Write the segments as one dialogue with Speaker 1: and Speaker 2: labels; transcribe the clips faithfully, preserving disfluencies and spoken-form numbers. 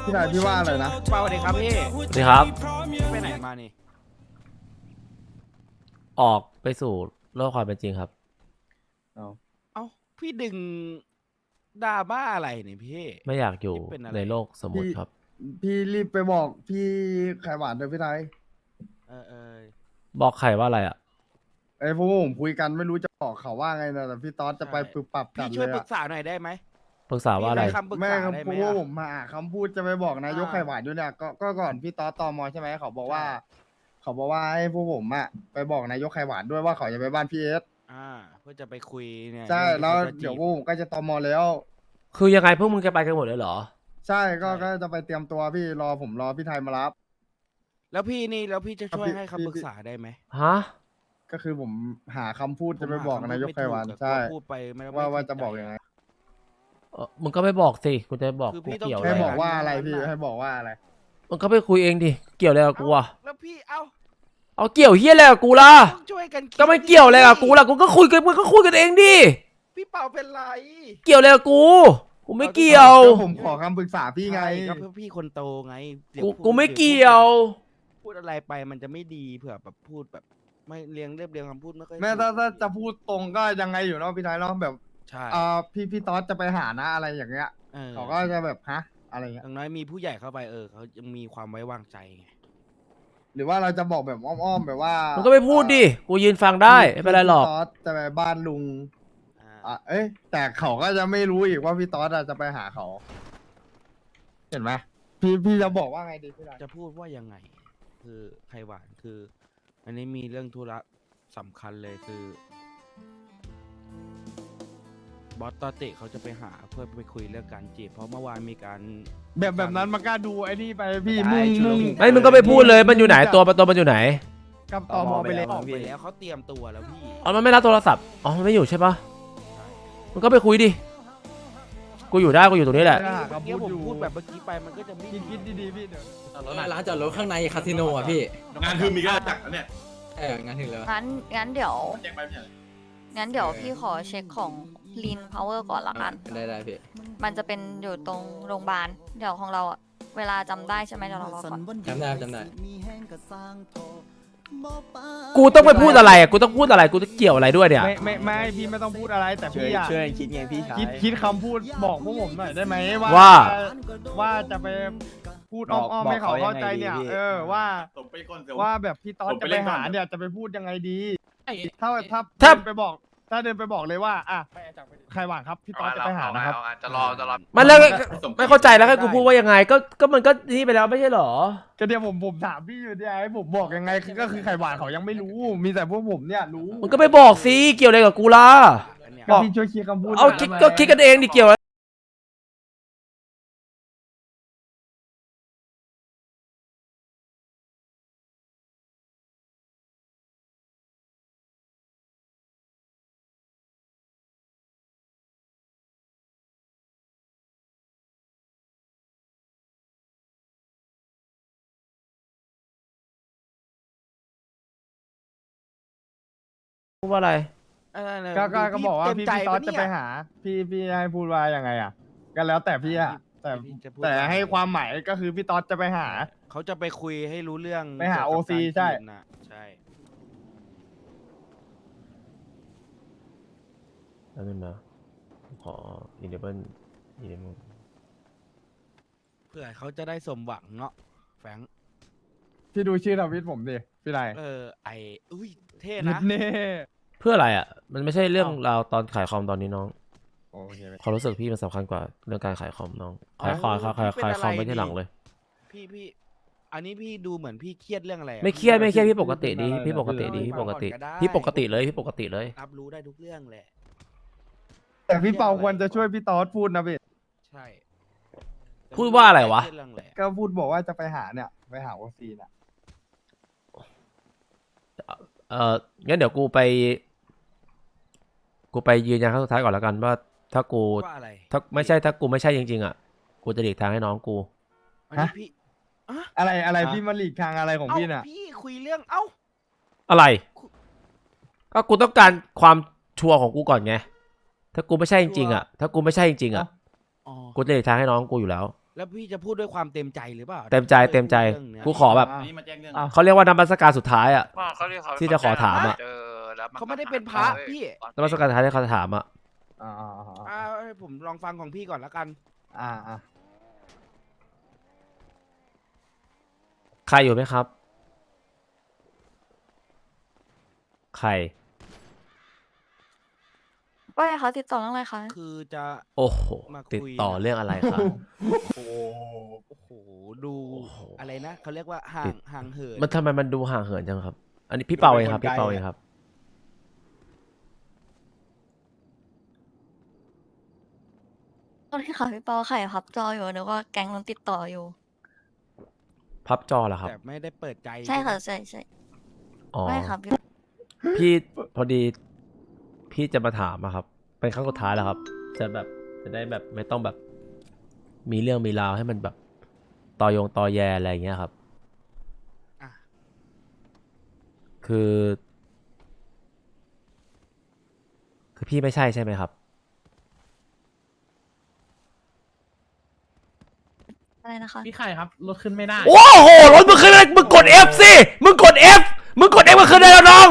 Speaker 1: พี่นายพี่ว่าอะไรนะ
Speaker 2: สวัสดีครับพี่
Speaker 3: สวัสดีครับ
Speaker 2: ไปไหนมานี่
Speaker 3: ออกไปสู่โลกความเป็นจริงครับ
Speaker 1: เอา
Speaker 2: เอ้าพี่ดึงดราม่าอะไรเนี่ยพี่
Speaker 3: ไม่อยากอยู่
Speaker 2: นี่เป็นอะไร
Speaker 3: ในโลกสมมติครับ
Speaker 1: พี่รีบไปบอกพี่ไข่หวานเถอะพี่นาย
Speaker 2: เออเออ
Speaker 3: บอกใครว่าอะไรอ่ะ
Speaker 1: ไอ้พวกผมคุยกันไม่รู้จะบอกเขาว่าไงนะแต่พี่ต๊อดจะไปปรับปรับกั
Speaker 2: พี่
Speaker 1: น
Speaker 2: ช่
Speaker 1: เล
Speaker 2: วย
Speaker 1: ย
Speaker 2: ปรึ
Speaker 1: อะ
Speaker 2: กษาหน่อยได้ไหม
Speaker 3: ปรึกษาว่าอะไร
Speaker 2: พี่ให้คำปรึก
Speaker 1: แม่
Speaker 2: ษา
Speaker 1: ก็
Speaker 2: ได้ไห
Speaker 1: พ
Speaker 2: ม
Speaker 1: วก
Speaker 2: อะ
Speaker 1: ผมมาหาคำพูดจะไปบอกนายก
Speaker 2: อ่า
Speaker 1: ไข่หวานด้วยเนี่ยก็ก็ก่อนพี่ต๊อดตอมอใช่ไหมเขาบอกว่า
Speaker 2: ใช่
Speaker 1: เขาบอกว่าให้พวกผมอะไปบอกนายกไข่หวานด้วยว่าเขาจะไปบ้านพี่เอส
Speaker 2: อ่า เพื่อจะไปคุยเนี่ย
Speaker 1: ใช่
Speaker 2: รื่องที่
Speaker 1: แล้ว
Speaker 2: ขาจะจีบ
Speaker 1: เดี๋ยวพวกผมก็จะตอมอแล้ว
Speaker 3: คือยังไงพวกมึงจะไปกันหมดเลยเหรอ
Speaker 1: ใช่ก็
Speaker 2: ใช่
Speaker 1: ก็จะไปเตรียมตัวพี่รอผมรอพี่ไทยมารับ
Speaker 2: แล้วพี่นี่แล้วพี่จะช่วย
Speaker 1: พี่
Speaker 2: ให้
Speaker 1: พี่
Speaker 2: คำปรึกษาได้ไหม
Speaker 3: ฮะ
Speaker 1: ก็คือผมหาคำพูดจะไปบอก
Speaker 2: ผมห
Speaker 1: นายก
Speaker 2: คำพูด
Speaker 1: ไข่หวาน
Speaker 2: ม่ถูกอะ
Speaker 1: ใช่
Speaker 2: กลัพูดไปไม่
Speaker 1: ว่า
Speaker 2: ไม่
Speaker 1: ว่า
Speaker 2: ถู
Speaker 1: จะบอกยังไง
Speaker 3: เออมึงก็ไม่บอกสิ กูจะบอก
Speaker 2: คือ
Speaker 3: กู
Speaker 2: พี่ต้อง
Speaker 3: เกี่ยวอะ
Speaker 1: ให้
Speaker 3: ไร
Speaker 1: บอก
Speaker 3: อะ
Speaker 1: ว่าอะไร
Speaker 2: นั้น
Speaker 1: พี่
Speaker 2: น่ะ
Speaker 1: ให้บอกว่าอะไร
Speaker 3: มึงก็ไปคุยเองดิ เกี่ยวอะไรกับกูอ่ะ
Speaker 2: แล้วพี่เอ้า
Speaker 3: เอาเกี่ยวเฮียอะไรกับกูล่ะ
Speaker 2: ต้องช่วยกันคิด
Speaker 3: ก็ไม่เกี่ยวอะไรกับกูล่ะ กูก็คุยกันมึงก็คุยกันเองดิ
Speaker 2: พี่เป่าเป็นไร
Speaker 3: เกี่ยวอะไรกับกู กูไม่เกี่ยว
Speaker 1: ก็ผมขอคำปรึกษาพี่ไง
Speaker 2: ใช่ก็เพื่อพี่คนโตไงเดี๋ยว
Speaker 3: กู
Speaker 2: พูด
Speaker 3: กูไม่
Speaker 2: ดี๋
Speaker 3: เกี่ยว
Speaker 2: พูดอะไรไปมันจะไม่ดีเผื่อแบบพูดแบบ ไม่เรียงเรียบเรียงคำพูดไม่ค่อย
Speaker 1: แม่ถ้า
Speaker 2: ถูก
Speaker 1: ถ้าจะพูดตรงก็ยังไงอยู่เนาะพี่ไทยเนาะแบบ
Speaker 2: ใช่
Speaker 1: อ่าพี่พี่ต๊อดจะไปหานะอะไรอย่างเงี้ย
Speaker 2: เออ
Speaker 1: เขาก็จะแบบฮะอะไรเงี้
Speaker 2: อย ย่างน้อยมีผู้ใหญ่เข้าไปเออเขายังมีความไว้วางใจไง
Speaker 1: หรือว่าเราจะบอกแบบอ้อมๆแบบว่า
Speaker 3: มึ
Speaker 1: มึ
Speaker 3: งก็ไปพูดดิ กูยืนฟังได้ไม่เป็นไรหรอก
Speaker 1: พี่ต๊อดจะไปบ้านลุง
Speaker 2: อ่า
Speaker 1: อ่ะเอ้ยแต่เขาก็จะไม่รู้อีกว่าพี่ต๊อดอะจะไปหาเขา เห็นไหมพี่พี่จะบอกว่าไงดีพี่ไทย
Speaker 2: จะพูดว่ายังไง คือไข่หวานคือ อันนี้มีเรื่องธุระสำคัญเลยคือบอสตอเตะเขาจะไปหาเพื่อไปคุยเรื่องการจีบเพราะเมื่อวานมีการ
Speaker 1: แบบแบบนั้นมันกล้าดูไอ้นี่ไปพี่
Speaker 4: ได้
Speaker 1: มุ่ง
Speaker 4: ชุล
Speaker 1: มุ่ง
Speaker 4: มุน
Speaker 3: ไม่มึงก็ไปพูดเลย มันอยู่ไหน ตัวตัวมันอยู่ไหน
Speaker 1: กับตอมอไปเลย
Speaker 2: ออกไปแล้วเขาเตรียมตัวแล้วพี่
Speaker 3: อ๋อ มันไม่รับโทรศัพท์ อ๋อ มันไม่อยู่ใช่ปะมึงก็ไปคุยดิ กูอยู่ได้ กูอยู่ตรงนี้แหละ
Speaker 1: ได้
Speaker 2: เมื่อกี้ผมพูดแบบเมื่อแกี้ไปมันก็จะไม่
Speaker 1: คิดคิดดีๆพี่เดี๋ยว
Speaker 4: ร้านจอดรถข้างในคาสิโนอ่ะพี่
Speaker 5: งานคือมีก็จักนะเนี่ย
Speaker 4: เอองานถึงแล้ว
Speaker 6: งั้นงั้นเดี๋ยว
Speaker 5: แจ้งไปไม่ใช่เหรอ
Speaker 6: งั้นเดี๋ยวพี่ขอเช็คของ Lean Power ก่อนละกัน
Speaker 4: ได้ได้พี่
Speaker 6: มันจะเป็นอยู่ตรงโรงพยาบาล เดี๋ยวของเราอะเวลาจำได้ใช่ไหมเดี๋ยวเรารอก่อน
Speaker 4: จำได้จำได้
Speaker 3: กูต้องไปพูดอะไรอ่ะ กูต้องพูดอะไร กูจะเกี่ยวอะไรด้วยเนี่ย
Speaker 1: ไม่ไม่ไม่พี่ไม่ต้องพูดอะไรแต่
Speaker 7: ช่วย
Speaker 1: พี่อะ
Speaker 7: ช่วยคิดไงพี่ชาย
Speaker 1: คิดคิดคำพูดบอกพวกผมหน่อยได้ไหมว่า
Speaker 3: ว่า
Speaker 1: ว่าจะไปพูด
Speaker 7: บ
Speaker 1: อ้
Speaker 7: อก
Speaker 1: อมๆ
Speaker 7: บอก
Speaker 1: ให้เขา
Speaker 7: เขา
Speaker 1: เข้าใจ
Speaker 7: ยังไงดี
Speaker 1: เนี่ย
Speaker 7: พี่
Speaker 1: เออว่า
Speaker 5: ตบไปก่อนเดี๋ยว
Speaker 1: ว่าแบบพี่ต๊อด
Speaker 5: ผม
Speaker 1: จะ
Speaker 5: ไป
Speaker 1: ไป
Speaker 5: เล่นก่อ
Speaker 1: หาน เนี่ยจะไปพูดยังไงดี ถ้าถ้า
Speaker 3: ถ้า
Speaker 1: เดินไปบอก ถ้าเดินไปบอกเลยว่าอ่ะใครหวานครับพี่ต๊อดจะไปหานะครับ
Speaker 8: จะรอจะรอ
Speaker 3: มันแล้วไม่เข้าใจแล้วให้กูพูดว่ายังไง ก็ก็มันก็นี่ไปแล้วไม่ใช่เหรอ
Speaker 1: ก็เดี๋ยวผมผมถามพี่อยู่เนี่ยให้ผมบอกยังไงคือก็คือไข่หวานเขายังไม่รู้ มีแต่พวกผมเนี่ยรู้
Speaker 3: มึงก็ไปบอกสิ เกี่ยวอะไรกับกูล่ะ
Speaker 2: อันเนี้ย
Speaker 1: ก็พี่ช่วยเคลียร์คำพูด
Speaker 3: เอา
Speaker 1: หน่ย
Speaker 3: คิด
Speaker 1: ได้ไหม
Speaker 3: ก็คิดกันเองดิเกี่ยวอะไรพูดว่าอะไร
Speaker 2: เออเนี่ย
Speaker 1: ก็ก็ก็บอกว่า
Speaker 2: เต็ม
Speaker 1: พี่
Speaker 2: ใจ
Speaker 1: พี่ต๊อด
Speaker 2: ป
Speaker 1: จะ
Speaker 2: เนี่ย
Speaker 1: ไปหา พี่พี่ให้พูดว่ายังไงอ่ะก็แล้วแต่พี่อ่ะแต่
Speaker 2: พี่จะพูด
Speaker 1: แต่
Speaker 2: ว่า
Speaker 1: ให้ความหมายก็คือพี่ต๊อดจะไปหา
Speaker 2: เขาจะไปคุยให้รู้เรื่อง
Speaker 1: ไปหา
Speaker 2: เกี่ยวกับ
Speaker 1: โอซี
Speaker 2: การ
Speaker 1: ใช่
Speaker 2: จีบน่ะใช่
Speaker 3: แล้วนึงนะขออินเดเบิลอินเดเบิล
Speaker 2: เพื่อเขาจะได้สมหวังเนาะแฟรงค์
Speaker 1: พี่ดูชื่อทวิตผมดิพี่ไร
Speaker 2: เออไออุ้ยเท่
Speaker 1: นิ
Speaker 2: นะ
Speaker 1: ดเน่
Speaker 3: เพื่ออะไรอ่ะ มันไม่ใช่เรื่องราวตอนขายคอมตอนนี้น้อง
Speaker 1: โอเค
Speaker 3: ความรู้สึกพี่มันสำคัญกว่าเรื่องการขายคอมน้อง ขายค
Speaker 2: อ๋
Speaker 3: อ
Speaker 2: อ
Speaker 3: มขายขาย
Speaker 2: พี่
Speaker 3: ขาย
Speaker 2: เป็น
Speaker 3: คอม
Speaker 2: อะไร
Speaker 3: ไม่ที่หลัง
Speaker 2: นี่
Speaker 3: เลย
Speaker 2: พี่พี่อันนี้พี่ดูเหมือนพี่เครียดเรื่องอะไรอะ
Speaker 3: ไม่เครียดไม่เครียดพี่ปกติดีพี่ปกติดี
Speaker 2: พี่
Speaker 3: พี่ปกติ
Speaker 2: ก่อนก็ได้
Speaker 3: พี่ปกติเลยพี่ปกติเลย
Speaker 2: รับรู้ได้ทุกเรื่องแหละ
Speaker 1: แต่พี่เปาควรจะช่วยพี่ต๊อดพูดนะพี่
Speaker 2: ใช่
Speaker 3: พูดว่าอะไรวะ
Speaker 2: เคยดเรื่องแหละ
Speaker 1: ก็พูดบอกว่าจะไปหาเนี่ยไปหาโอซีน่ะ
Speaker 3: เอองั้นเดี๋ยวกูไป กูไปยืนยันครั้งสุดท้ายก่อนแล้วกันว่า ถ้ากู
Speaker 2: ว่าอะไร
Speaker 3: ถ้าไม่ใช่ถ้ากูไม่ใช่จริงๆอ่ะ กูจะหลีกทางให้น้องกู
Speaker 2: อันนี้พี่
Speaker 1: อะไรอะไร
Speaker 3: ฮะ
Speaker 1: พี่มาหลีกทางอะไรของ
Speaker 2: เอ้า
Speaker 1: พี่น่ะ
Speaker 2: พี่คุยเรื่องเอ้า
Speaker 3: อะไร ก็กูต้องการความชัวร์ของกูก่อนไง ถ้ากูไม่ใช่จริงๆอ่ะ ถ้ากูไม่ใช่จริงๆอ่ะ
Speaker 2: อ๋อ
Speaker 3: กูจะหลีกทางให้น้องกูอยู่แล้ว
Speaker 2: แล้วพี่จะพูดด้วยความเต็มใจหรือเปล่า
Speaker 3: เต็มใจเต็มใจ
Speaker 2: รื่องเนี้ย
Speaker 3: กูขอแบบ
Speaker 5: อันนี้มาแจ้งเรื่อง
Speaker 1: อ่ะ
Speaker 3: เขาเรียกว่านมัสการสุดท้ายอ่ะ
Speaker 7: ว่าเขาเรียกเขา
Speaker 3: ที่จะขอถามอะ
Speaker 7: เจอแล้วน
Speaker 2: เขาไม่ได้เป็นพระพี่
Speaker 3: นมัสการสุดท้ายที่เขาถามอ่ะ
Speaker 1: อ่าอ่าอ่า
Speaker 2: อ่าให้ผมลองฟังของพี่ก่อนละกัน
Speaker 1: อ่าอ่า
Speaker 3: ใครอยู่ไหมครับ ใคร
Speaker 6: ว่าไงคะติดต่อเรื่องอะไรคะ
Speaker 2: คือจะ
Speaker 3: โอ้โห
Speaker 2: มาคุย
Speaker 3: ติดต่อเรื่องอะไรครับ
Speaker 2: โอ้โหดู
Speaker 3: โอ้โห
Speaker 2: อะไรนะเขาเรียกว่าห่า
Speaker 3: ติ
Speaker 2: ง
Speaker 3: ด
Speaker 2: ห่างเหิน
Speaker 3: มันทำไมมันดูห่างเหินจังครับ อันนี้พี่เปาเองครับ พี่เปาเองครับ
Speaker 6: ตอนที่ค่ะพี่เปาไข่พับจออยู่นึกว่าแก๊งนั้นติดต่ออยู่
Speaker 3: พับจอเหรอครับ
Speaker 2: แต่ไม่ได้เปิดใจ
Speaker 6: ใช่ค่ะ
Speaker 2: ไหม
Speaker 6: ใช่ใช่
Speaker 3: อ๋อ
Speaker 6: ไม่ค่ะพี่
Speaker 3: พี่พอดี พี่จะมาถามอะครับ เป็นครั้งสุดท้ายแล้วครับ จะแบบจะได้แบบไม่ต้องแบบ มีเรื่องมีราวให้มันแบบตอยงตอแยอะไรอย่างเงี้ยครับ
Speaker 2: อ่ะ
Speaker 3: คือ คือพี่ไม่ใช่ใช่ไหมครับ
Speaker 6: อะไรนะคะ
Speaker 8: พี่ไข่ครับรถขึ้นไม่ได้
Speaker 3: โอ้โหรถมึงขึ้นได้มึงกด F สิมึงกด F มึงกด F มันขึ้นได้แล้วน้อง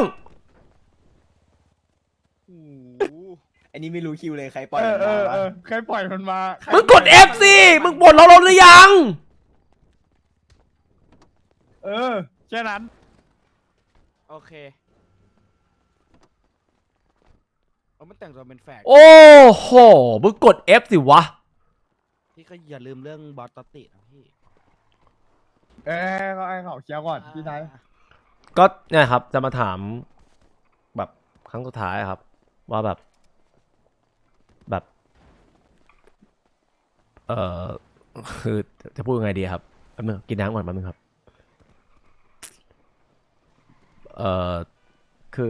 Speaker 4: อันนี้ไม่รู้คิวเลยใครปล่อย
Speaker 1: เออ
Speaker 4: มัน
Speaker 1: เอ
Speaker 4: มา
Speaker 1: อ
Speaker 4: วะ
Speaker 1: เออใครปล่อยมันมา
Speaker 3: มึงกด F สิมึงปลดเราลงหรือยัง
Speaker 1: เออแค่นั้น
Speaker 2: โอเคเอามันแต่งตัวเป็นแฝก
Speaker 3: โอ้โหมึงกด F สิวะ
Speaker 2: พี่ก็อย่าลืมเรื่องบอสตอตตินะพี่
Speaker 1: เอ้ยเขาให้เขาเคลียร์ก่อนพี่ชาย
Speaker 3: ก็เนี่ยครับจะมาถามแบบครั้งสุดท้ายอะครับ ว่าแบบ แบบ เอ่อคือจะพูดยังไงดีครับแป๊บนึงกินน้ำก่อนแป๊บนึงครับ เอ่อคือ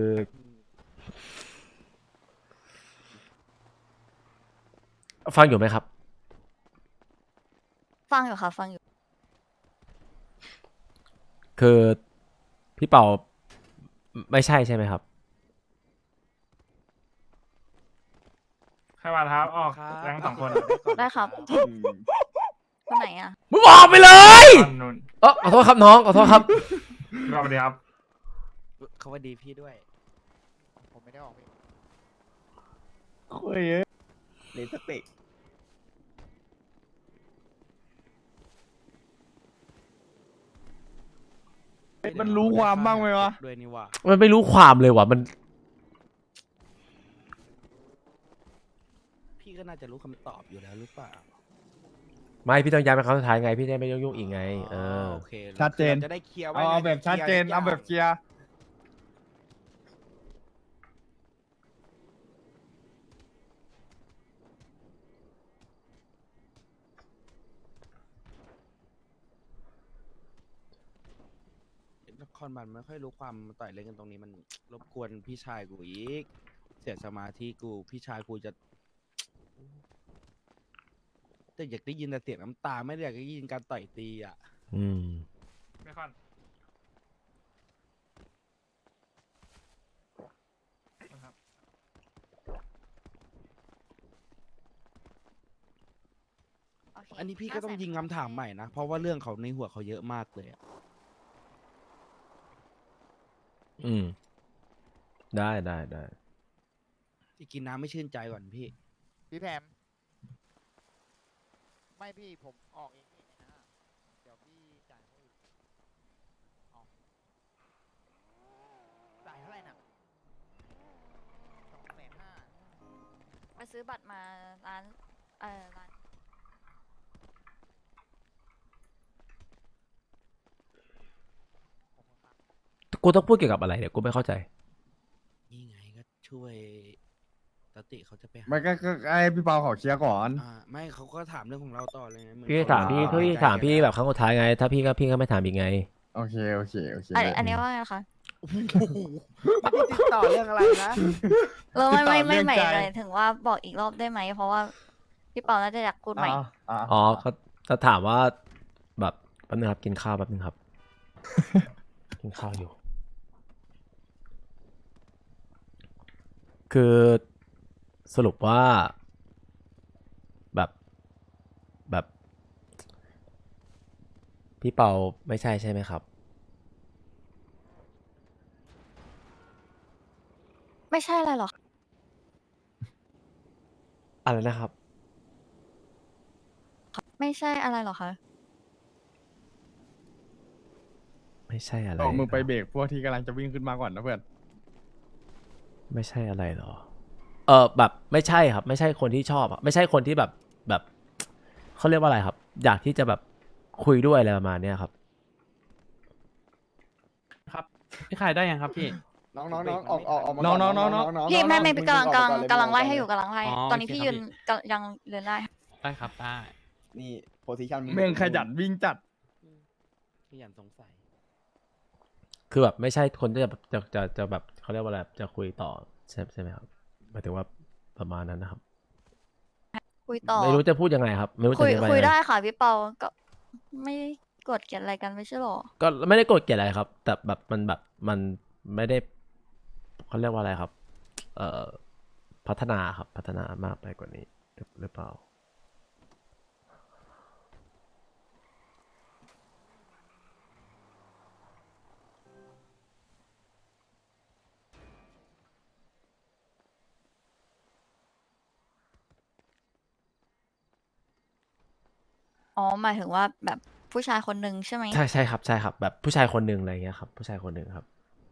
Speaker 3: ฟังอยู่ไหมครับ
Speaker 6: ฟังอยู่ค่ะ ฟังอยู่
Speaker 3: คือพี่เป่าไม่ใช่ใช่ไหมครับ
Speaker 8: ใครมาครับออก
Speaker 2: ครับ
Speaker 8: แรงสองคน
Speaker 6: ได้ครับ คนไหนอ่ะ
Speaker 3: มึงบอกไปเลย
Speaker 8: ตอนนู้น
Speaker 3: เออขอโทษครับน้องขอโทษครับ
Speaker 8: รอบเดียวครับ
Speaker 2: เขาว่าดีพี่ด้วย
Speaker 7: ผมไม่ได้ออกพี่
Speaker 1: คุยเอ้ย
Speaker 4: เลนสเปก
Speaker 1: มันรู้ความบ้างไหมวะ
Speaker 2: ด้วยนี่ว่า
Speaker 3: มันไม่รู้ความเลยว่ะมัน
Speaker 2: พี่ก็น่าจะรู้คำตอบอยู่แล้วหรือเปล่า
Speaker 3: ไม่พี่ต้องย้ายเป็นครั้งสุดท้ายไง พี่จะไม่ยุ่งๆอีกไง เออ
Speaker 2: โอเค
Speaker 1: ชัดเจน
Speaker 2: จะได้เคลียร์ไว้
Speaker 1: เอาเอา
Speaker 2: ไง
Speaker 1: แบบชัดเจน
Speaker 2: คลียร์
Speaker 1: เอาแบบเคลียร์
Speaker 2: นครบันไม่ค่อยรู้ความมาต่อยเล่นกันตรงนี้มันรบกวนพี่ชายกูอีก เสียสมาธิกูพี่ชายกูจะ แต่อยากได้ยินแต่เสียงน้ำตาไม่ได้อยากได้ยินการต่อยตีอ่ะ
Speaker 3: อืม
Speaker 8: ไม่ค่อน
Speaker 6: โเค
Speaker 2: อันนี้พี่ก็ต้องยิงคำถามใหม่นะ เพราะว่าเรื่องเขาในหัวเขาเยอะมากเลยอะ
Speaker 3: อืม ได้ได้ได้
Speaker 2: ที่กินน้ำไม่ชื่นใจก่อนพี่
Speaker 7: พี่แพมไม่พี่ผมออกเองพี่ในนะเดี๋ยวพี่จ่ายเขาอีกออกจ่ายเท่าไหร่น่ะสองแสนห้า
Speaker 6: ไปซื้อบัตรมาร้าน เออร้าน
Speaker 3: กูต้องพูดเกี่ยวกับอะไรเนี่ยกูไม่เข้าใจ
Speaker 2: นี่ไงก็ช่วยตติเขาจะไปหา
Speaker 1: มันก็ก็ไอ้พี่เปาเขาเคลียร์ก่อน
Speaker 2: อ่าไม่เขาก็ถามเรื่องของเราต่อเลยไงเหอน
Speaker 3: พี่
Speaker 2: เข
Speaker 3: ถามพี่
Speaker 2: เร
Speaker 3: พี่
Speaker 2: ใจ
Speaker 3: ถามพี่
Speaker 2: กัน
Speaker 3: แบบครั้งสุดท้ายไง ถ้าพี่ก็พี่ก็ไม่ถามอีกไง
Speaker 1: โอเคโอเคโอเค
Speaker 6: อันอันนี้ว่าไงคะ
Speaker 2: โอ้โหไม่ได้ติดต่อเรื่องอะไรนะ
Speaker 6: เราไม่ไม่ไม่
Speaker 1: ติดต่อเรื่อง
Speaker 6: ใหม่
Speaker 1: ใจ
Speaker 6: เลยถึงว่าบอกอีกรอบได้ไหม เพราะว่าพี่เปาน่าจะอยากพูดใหม่
Speaker 1: อ่าอ่า
Speaker 3: อ๋อเขาจะถามว่าแบบแป๊บนึงครับกินข้าวแป๊บนึงครับ กินข้าวอยู่ คือสรุปว่า แบบแบบพี่เปาไม่ใช่ใช่ไหมครับ
Speaker 6: ไม่ใช่อะไรหรอก
Speaker 3: อะไรนะครับ
Speaker 6: ไม่ใช่อะไรหรอกคะ
Speaker 3: ไม่ใช่อะไร
Speaker 1: บอกมึงไป
Speaker 3: หรอ
Speaker 1: เบรกพวกที่กำลังจะวิ่งขึ้นมาก่อนนะเพื่อน
Speaker 3: ไม่ใช่อะไรหรอ เออแบบไม่ใช่ครับ ไม่ใช่คนที่ชอบอะไม่ใช่คนที่แบบแบบเขาเรียกว่าอะไรครับ อยากที่จะแบบคุยด้วยอะไรประมาณเนี้ยครับ
Speaker 8: ครับพี่ขายได้ยังครับพี่
Speaker 4: น้องน้องน้องออกออกออกมา
Speaker 1: น้องน้องน้องน้อง
Speaker 6: พี่ไม่ไม่
Speaker 4: มึง
Speaker 6: กำลัง
Speaker 4: มึออก
Speaker 6: กำลัง
Speaker 4: ไปอนเย
Speaker 6: กำลังไล่
Speaker 4: มึ
Speaker 6: ให้อยู่
Speaker 4: กก่น
Speaker 6: กำลังไล่
Speaker 8: อ๋อ
Speaker 6: ตอนนี้
Speaker 8: โอเค
Speaker 6: พี่
Speaker 8: ครั
Speaker 6: ยื
Speaker 8: บ
Speaker 6: น
Speaker 8: พี่
Speaker 6: กำยังเดินได้
Speaker 8: ได้ครับได้
Speaker 4: นี่โพซิชัน
Speaker 1: เม่งขยันวิ่งจัด
Speaker 2: พี่ยันสงสัย
Speaker 3: คือแบบไม่ใช่คนที่จะจะจะจะแบบเขาเรียกว่าอะไรจะคุยต่อใช่ใช่ไหมครับหมายถึงว่าประมาณนั้นนะครับ
Speaker 6: คุยต่อ
Speaker 3: ไม่รู้จะพูดยังไงครับ ไม่รู้จะ
Speaker 6: คุย
Speaker 3: อธิบาย
Speaker 6: คุย
Speaker 3: ยังไง
Speaker 6: ได้ค่ะพี่เปาก็ไม่ได้กดเกลียดอะไรกันไม่ใช่หรอ
Speaker 3: ก็ไม่ได้โกรธเกลียดอะไรครับ แต่แบบมันแบบมันไม่ได้เขาเรียกว่าอะไรครับ เอ่อพัฒนาครับพัฒนามากไปกว่านี้หรือหรือเปล่า
Speaker 6: อ๋อหมายถึงว่าแบบผู้ชายคนหนึ่งใช่ไหม
Speaker 3: ใช่ใช่ครับใช่ครับ แบบผู้ชายคนหนึ่งอะไรเงี้ยครับ ผู้ชายคนหนึ่งครับ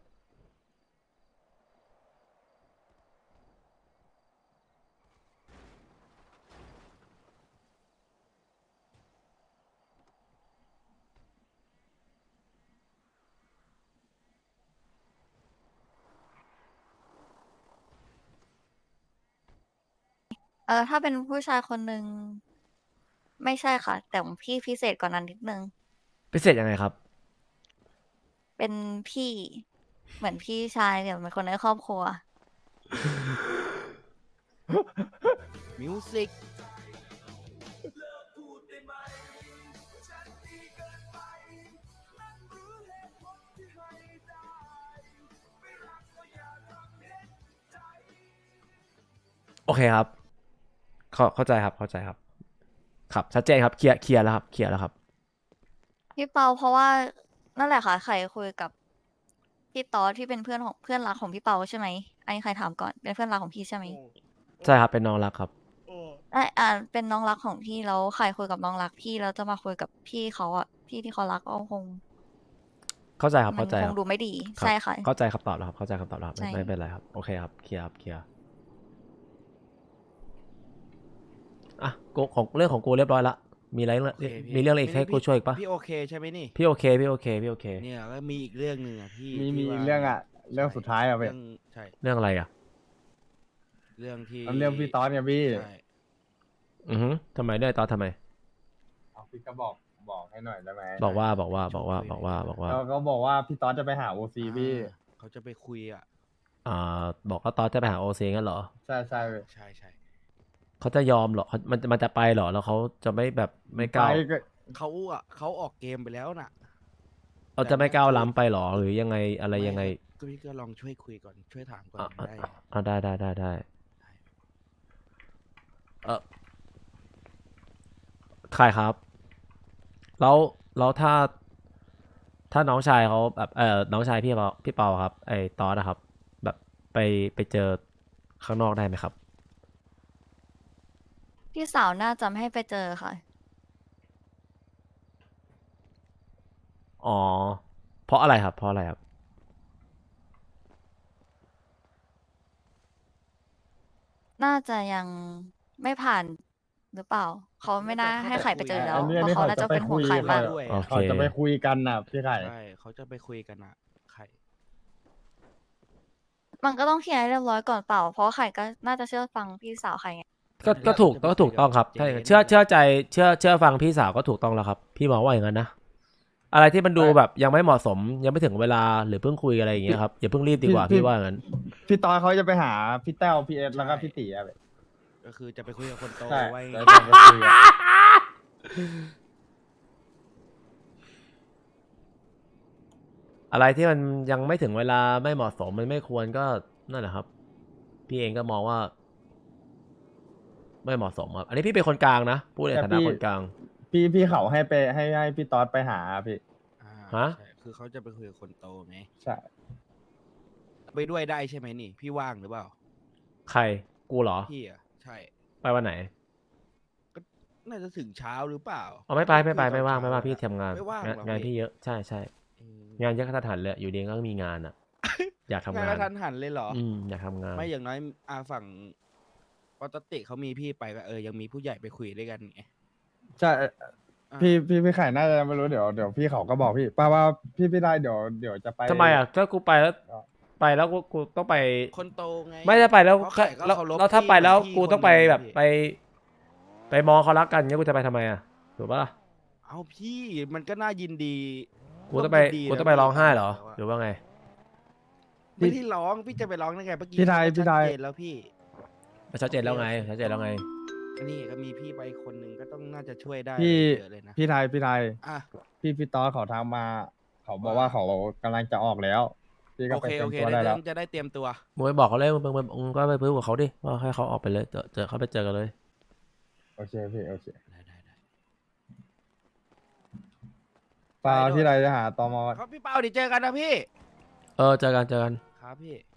Speaker 6: เออถ้าเป็นผู้ชายคนหนึ่งไม่ใช่ค่ะ แต่ของพี่พิเศษกว่านั้นนิดนึง
Speaker 3: พิเศษยังไงครับ
Speaker 6: เป็นพี่ เหมือนพี่ชายเนี่ยเหมือนคนในครอบครัว
Speaker 2: มิวสิก
Speaker 3: โอเคครับ เข้าเข้าใจครับเข้าใจครับ ครับชัดเจนครับเคลียร์เคลียร์แล้วครับเคลียร์แล้วครับ
Speaker 6: พี่เปาเพราะว่านั่นแหละค่ะใครคุยกับพี่ตอสที่เป็นเพื่อนของเพื่อนรักของพี่เปาใช่ไหมอันนี้ใครถามก่อนเป็นเพื่อนรักของพี่ใช่ไหม
Speaker 3: ใช่ครับเป็นน้องรักครับ
Speaker 6: ไอยอ่าเป็นน้องรักของพี่แล้วใครคุยกับน้องรักพี่แล้วจะมาคุยกับพี่เขาอ่ะพี่ที่เขารักก็คง
Speaker 3: เข้าใจครับ
Speaker 6: มั
Speaker 3: เข้าใจ
Speaker 6: ค
Speaker 3: ค
Speaker 6: ง
Speaker 3: รับ
Speaker 6: ดูไม่ดี
Speaker 3: รับ
Speaker 6: ใช่ค่ะ
Speaker 3: เข้าใจคำตอบแล้วครับเข้าใจคำตอบแล้วครับไม่
Speaker 6: ใช่
Speaker 3: ไม่เป็นไรครับโอเคครับเคลียร์ครับเคลียร์อ่ะกูของเรื่องของกูเรียบร้อยละมีอะไรเรื่อง
Speaker 2: โอเคพี่
Speaker 3: มีเรื่องอะไรอีกให้กูช่วยอีกปะ
Speaker 2: พี่โอเคใช่ไหมนี่
Speaker 3: พี่โอเคพี่โอเคพี่โอเค
Speaker 2: เนี่ยก็มีอีกเรื่องหนึ่งอ่ะพี่
Speaker 1: มีมี
Speaker 2: ที่ว่า
Speaker 1: เรื่องอะเรื่องสุดท้ายอะเว้ย
Speaker 2: เรื่องใช่
Speaker 3: เรื่องอะไรอ่ะ
Speaker 2: เรื่องที่
Speaker 1: เอาเรื่องพี่ตอนเนี่ยพี่
Speaker 2: ใช่
Speaker 3: อือฮึทำไมได้ตอนทำไม
Speaker 1: เอาพี่ก็บอกบอกให้หน่อยได้ไหม
Speaker 3: บอกว่าบอกว่าบอกว่าบอกว่าบอกว่า
Speaker 1: เราก็บอกว่าพี่ตอนจะไปหาโอซีพี่
Speaker 2: อ่าเขาจะไปคุยอ่ะ
Speaker 3: อ่าบอกว่าตอนจะไปหาโอซีงั้นเหรอ
Speaker 1: ใช่ใช่เว้ย
Speaker 2: ใช่ใช่
Speaker 3: เขาจะยอมเหรอเขามันมันจะไปเหรอแล้วเขาจะไม่แบบไม่ก้าว
Speaker 1: ไปก็
Speaker 2: เขาอ่ะเขาออกเกมไปแล้วน่ะ
Speaker 3: เราจะไม่ก้าวล้ำไปเหรอหรือยังไงอะไรยังไง
Speaker 2: ก็พี่ก็ลองช่วยคุยก่อนช่วยถามก่อน
Speaker 3: อ่ะอ่ะ
Speaker 2: ได้
Speaker 3: อ่ะได้ได้ได้ได้เออใครครับ แล้วแล้วถ้า ถ้าน้องชายเขาแบบเออน้องชายพี่เปาพี่เปาครับ ไอ้ตอสนะครับ แบบไปไปเจอข้างนอกได้ไหมครับ
Speaker 6: พี่สาวน่าจะไม่ให้ไปเจอค่ะ
Speaker 3: อ๋อ เพราะอะไรครับ เพราะอะไรครับ
Speaker 6: น่าจะยังไม่ผ่านหรือเปล่า เขาไม่น่าให้ไข่ไปเจอแล้ว
Speaker 1: อันนี้
Speaker 6: เพ
Speaker 1: อันนี้
Speaker 6: ราะเขาน่าจะเป็นห่วงไข่มาก
Speaker 1: เขาจะ
Speaker 2: ด้วย
Speaker 3: โอเค
Speaker 1: เขาจะไปคุยกันน่ะพี่ไข่
Speaker 2: ใช่เขาจะไปคุยกันอ่ะใคร
Speaker 6: มันก็ต้องเคลียร์ให้เรียบร้อยก่อนเปล่า เพราะไข่ก็น่าจะเชื่อฟังพี่สาวไข่ไง
Speaker 3: ก็ก็ถูกก็ถูกต้องครับถ้าอย่างนั้นเชื่อเชื่อใจเชื่อเชื่อฟังพี่สาวก็ถูกต้องแล้วครับ พี่มองว่าอย่างนั้นนะ อะไรที่มันดูแบบยังไม่เหมาะสมยังไม่ถึงเวลาหรือเพิ่งคุยอะไรอย่างเงี้ยครับอย่าเพิ่งรีบดีกว่าพี่ว่าอย่างนั้น
Speaker 1: พี่ตอนเขาจะไปหาพี่แต้วพี่เอสแล้วก็พี่ตีอะเว้ย
Speaker 2: ก็คือจะไปคุยกับคนโต
Speaker 1: ใช่
Speaker 2: ไว้
Speaker 1: แล้วจะไปคุยอะ
Speaker 3: อะไรที่มันยังไม่ถึงเวลาไม่เหมาะสมมันไม่ควรก็นั่นแหละครับ พี่เองก็มองว่า ไม่เหมาะสมครับ อันนี้พี่เป็นคนกลางนะพูดในฐานะคนกลาง
Speaker 1: พี่พี่เขาให้ไปให้ให้พี่ต๊อดไปหาพี่
Speaker 2: อ่า
Speaker 3: ฮะ
Speaker 2: ใช่คือเขาจะไปคุยกับคนโตไง
Speaker 1: ใช่
Speaker 2: ไปด้วยได้ใช่ไหมนี่ พี่ว่างหรือเปล่า
Speaker 3: ใครกูเหรอ
Speaker 2: พี่อ่ะใช่
Speaker 3: ไปวันไหน
Speaker 2: น่าจะถึงเช้าหรือเปล่า
Speaker 3: อ๋อไม่ไปไม่ไป
Speaker 2: คุยตอน
Speaker 3: ไม่ว่างไม่ว่าง
Speaker 2: เช้
Speaker 3: พี่ทำงาน
Speaker 2: ไม่ว่าง
Speaker 3: งาน
Speaker 2: หรอง
Speaker 3: าน
Speaker 2: พี่
Speaker 3: พี่เยอะใช่ใช่
Speaker 2: อืม
Speaker 3: งานเยอะขนาดหันเลยอยู่ดีก็มีงาน อ่ะ อยากทำ
Speaker 2: งาน
Speaker 3: งาก น
Speaker 2: ระทันหันเลยเหรอ
Speaker 3: อืมอยากทำงาน
Speaker 2: ไม่อย่างน้อยอาฝั่งปกติเขามีพี่ไปก็เออยังมีผู้ใหญ่ไปคุยด้วยกันไง
Speaker 1: ใช่
Speaker 2: อ่ะ
Speaker 1: พี่พี่พี่ไข่น่าจะไม่รู้เดี๋ยวเดี๋ยวพี่เขาก็บอกพี่ป้าว่าพี่พี่ได้เดี๋ยวเดี๋ยวจะไป
Speaker 3: ทำไมอ่ะถ้ากูไปแล้ว
Speaker 1: อ๋อ
Speaker 3: ไปแล้วกูกูต้องไป
Speaker 2: คนโตไง
Speaker 3: ไม่ได้ไปแล้ว
Speaker 2: เพราะไข่ก็
Speaker 3: แล้ว
Speaker 2: เคารพ
Speaker 3: แล้วถ้า
Speaker 2: พี่
Speaker 3: ไปแล้ว
Speaker 2: พี่
Speaker 3: กูต้องไป
Speaker 2: คนหนึ่ง
Speaker 3: แบบ
Speaker 2: พี่
Speaker 3: ไป ไปมองเขารักกันเงี้ยกูจะไปทำไมอ่ะถูกปะล่ะ
Speaker 2: เอาพี่มันก็น่ายินดี
Speaker 3: กูต้องไป
Speaker 2: ร่วมยินดี
Speaker 3: กู
Speaker 2: นะ
Speaker 3: ต้องไป
Speaker 2: พี่
Speaker 3: ร้องไห้เหรอ
Speaker 2: แล้วะ
Speaker 3: หรือว่าไง
Speaker 2: ไม่ได้ร้องพี่จะไปร้องได้ไงเมื่อกี้
Speaker 1: พี่ไทย
Speaker 2: เขาก็
Speaker 1: พี่ไทย
Speaker 2: ชัดเจนแล้วพี่
Speaker 3: มันชัดเจนแล้วไงชัดเจนแล้วไง
Speaker 2: ก็นี่ก็มีพี่ไปคนหนึ่งก็ต้องน่าจะช่วยได้
Speaker 1: พี่
Speaker 2: เยอะเลยนะ
Speaker 1: พี่ไทยพี่ไทย
Speaker 2: อ่ะ
Speaker 1: พี่พี่ต๊อดเขาทางมา เขาบอก
Speaker 2: ว่า
Speaker 1: ว่าเขากำลังจะออกแล้ว พี่ก็
Speaker 2: โอ
Speaker 1: ไป
Speaker 2: เค
Speaker 1: เตรีย
Speaker 2: โอ
Speaker 1: ม
Speaker 2: เค
Speaker 1: ตัว
Speaker 2: ได้
Speaker 1: ได้แล้ว
Speaker 2: จะได้เตรียมตัว
Speaker 3: มึงไปบอกเขาเลยมึงมึงมึงมึงก็ไปพูดกับเขาดิว่าให้เขาออกไปเลยเจอเจอเขาไปเจอกันเลย
Speaker 1: โอเคพี่โอเค
Speaker 2: ได้ได้ได้
Speaker 1: ปลา
Speaker 2: ไปด้วย
Speaker 1: พี่ไรจะหาตอมอ
Speaker 2: ครับพี่เปาเดี๋ยวเจอกันนะพี่
Speaker 3: เออเจอกันเจอกัน
Speaker 2: ครับพี่